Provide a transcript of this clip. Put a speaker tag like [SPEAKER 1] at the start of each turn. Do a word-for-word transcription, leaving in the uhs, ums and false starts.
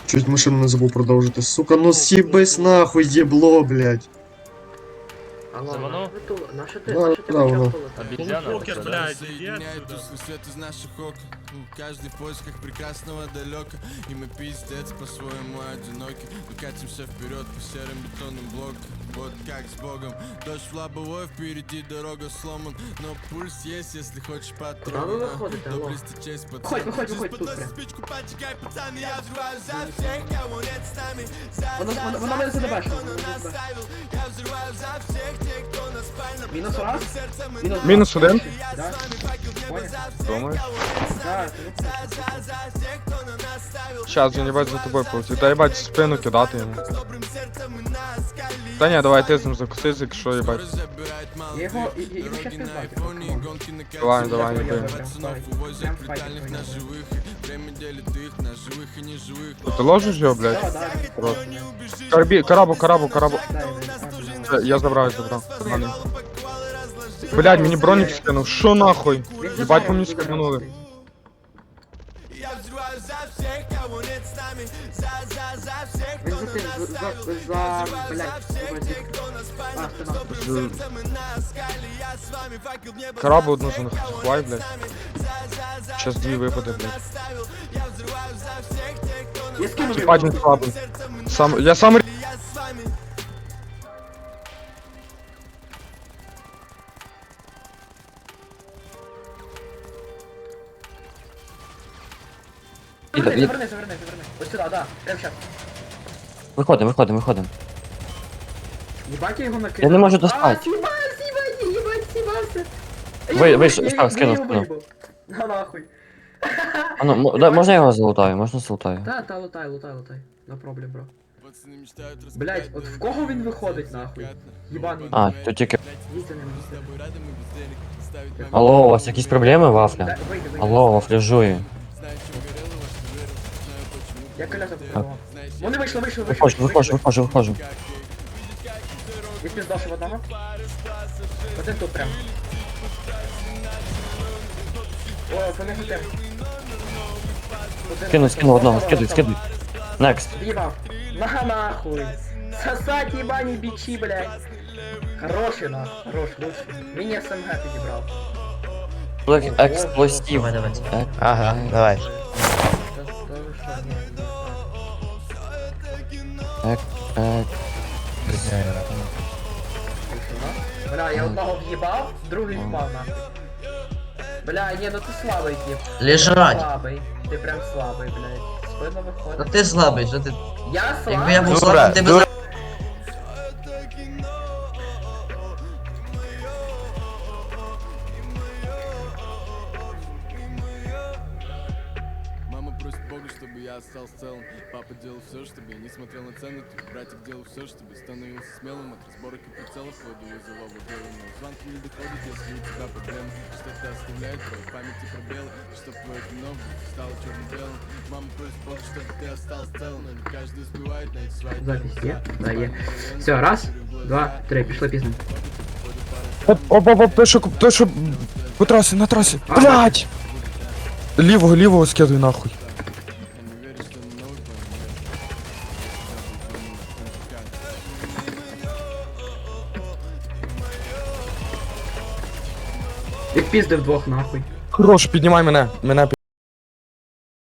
[SPEAKER 1] Чуть машину не забув продовжити. Сука, ну с'їбись нахуй, єбло, блядь.
[SPEAKER 2] Алло,
[SPEAKER 3] Заманув?
[SPEAKER 2] наша ти, ту- наша ти,
[SPEAKER 1] Да,
[SPEAKER 2] наша ти
[SPEAKER 1] да, воно.
[SPEAKER 2] почав полетати?
[SPEAKER 3] Обезьяна.
[SPEAKER 4] Покер,
[SPEAKER 3] это, да?
[SPEAKER 4] блядь, иди
[SPEAKER 5] Соединяет
[SPEAKER 4] отсюда.
[SPEAKER 5] тусклый свет из наших окон. Каждый в поисках прекрасного далека. И мы пиздец по-своему одиноки. Мы катимся вперед по серым бетонным блокам. Вот как с Богом. Дождь в лобовой, впереди дорога сломан. Но пульс есть, если хочешь
[SPEAKER 2] Куда вы
[SPEAKER 5] патрона.
[SPEAKER 2] выходите, алло?
[SPEAKER 5] Доблести честь
[SPEAKER 2] Выходь,
[SPEAKER 5] пацан.
[SPEAKER 2] выходь, выходь, тут прям.
[SPEAKER 5] Спичку поджигай, пацаны, я взрываю за всех, кого нет с нами. За,
[SPEAKER 2] Вона,
[SPEAKER 5] за,
[SPEAKER 2] вона,
[SPEAKER 5] за
[SPEAKER 2] вона мене
[SPEAKER 5] всех,
[SPEAKER 2] задебешила.
[SPEAKER 5] кто нас оставил. Я взрываю за всех тех, кто нас спальном.
[SPEAKER 2] Мінус раз?
[SPEAKER 5] Сердцем и
[SPEAKER 2] Мінус
[SPEAKER 6] Мінус один.
[SPEAKER 2] Да? Понял?
[SPEAKER 6] Думаєш?
[SPEAKER 2] Да, це
[SPEAKER 6] Щас, він їбать за тобою полетів. Та їбать в спину кидати йому. Та ні, давай ти з ним закусись, якщо їбать.
[SPEAKER 2] Я його, я, я його щас пиздати.
[SPEAKER 6] Давай, давай,
[SPEAKER 2] Я
[SPEAKER 6] їби.
[SPEAKER 2] його прям ставить. Прям в файті понял.
[SPEAKER 6] Ти ложиш його,
[SPEAKER 2] Да,
[SPEAKER 6] блядь?
[SPEAKER 2] да,
[SPEAKER 6] Рот. Карабі, карабу, карабу, карабу.
[SPEAKER 2] да, да,
[SPEAKER 6] Е, Я забрав, я забрав. Нормально. Блядь, мені бронік скинув. Шо нахуй? Їбать по мені скинули.
[SPEAKER 2] Він за тим, за, за, за, блядь, а, це нахуй.
[SPEAKER 6] Карабу одну захвай, блядь. Щас дві випаде, блядь.
[SPEAKER 2] Я скинув
[SPEAKER 6] Їбать він слабий. Сам, я сам р-
[SPEAKER 2] Заверни, заверни, заверни, заверни. Ось сюди, да, прям щас.
[SPEAKER 7] Виходимо, виходимо, виходимо.
[SPEAKER 2] Єбать я його накинув.
[SPEAKER 7] Я не можу достати.
[SPEAKER 2] А, с'їбать, с'їбать, їбать, с'їбався.
[SPEAKER 7] Ви- ви
[SPEAKER 2] Я-
[SPEAKER 7] ж-
[SPEAKER 2] я-
[SPEAKER 7] так,
[SPEAKER 2] я
[SPEAKER 7] скинув,
[SPEAKER 2] його
[SPEAKER 7] скинув.
[SPEAKER 2] виїбав. На нахуй.
[SPEAKER 7] А ну, м- да, можна я його залутаю? Можна залутаю?
[SPEAKER 2] Та, та, лутай, лутай, лутай. No problem, бро. Блять, от в кого він виходить нахуй? Єбаний.
[SPEAKER 7] А, тут тільки...
[SPEAKER 2] Їдь за ним, їдь за ним.
[SPEAKER 7] Алло, у вас якісь проблеми, Вафля?
[SPEAKER 2] Да, вийди, вийди.
[SPEAKER 7] Алло, Вафля жує.
[SPEAKER 2] Я коляса попробував. Вони вийшли, вийшли, вийшли.
[SPEAKER 7] Виходжу, виходжу, виходжу, виходжу.
[SPEAKER 2] Я піздошив одного. Один тут прям. О, вони хотим.
[SPEAKER 7] Скину, скину одного, скидуй, скидуй. Next.
[SPEAKER 2] Їбав. На нахуй. Сосать ебані бичи, блядь. Хороший на, хорош, лучший. Мені СМГ підібрав.
[SPEAKER 7] Блок експлосив.
[SPEAKER 3] Давай, давай.
[SPEAKER 7] Ек-
[SPEAKER 3] Ага, давай.
[SPEAKER 2] Та- та ви що, ні, ні.
[SPEAKER 7] Ек, ек.
[SPEAKER 2] Бля, я одного в'їбав, другий впав нахуй. Бля, ні, ну ти слабий тип.
[SPEAKER 3] Лежать.
[SPEAKER 2] Слабий. Ти прям слабий, блядь. Спина
[SPEAKER 3] Ну
[SPEAKER 2] виходить.
[SPEAKER 3] ти слабий, що ти.
[SPEAKER 2] Я слабий.
[SPEAKER 3] Якби я був
[SPEAKER 7] Дура,
[SPEAKER 3] слабий, ти б
[SPEAKER 7] дура.
[SPEAKER 5] Мама просит Бога, чтобы я остался целым. Папа делал все, чтобы я не смотрел на цены. Твой братик делал все, чтобы становился смелым. От разборок и прицелов вводу вызова в но звонки не доходят, если у тебя проблемы. Что-то оставляет твоей памяти пробелы. Чтоб твое кино стало черно-белым. Мама просит Бога, чтобы ты остался целым. Но не каждый успевает найти свои
[SPEAKER 2] Запись є? Да, є. Все, раз, два, три, пішли пізно.
[SPEAKER 6] Оп, оп, оп, оп, той, що, той, що по трасі, на трасі. Блядь! Лівого, лівого скидуй нахуй.
[SPEAKER 2] Відпіздив двох нахуй.
[SPEAKER 6] Хорош, піднімай мене, мене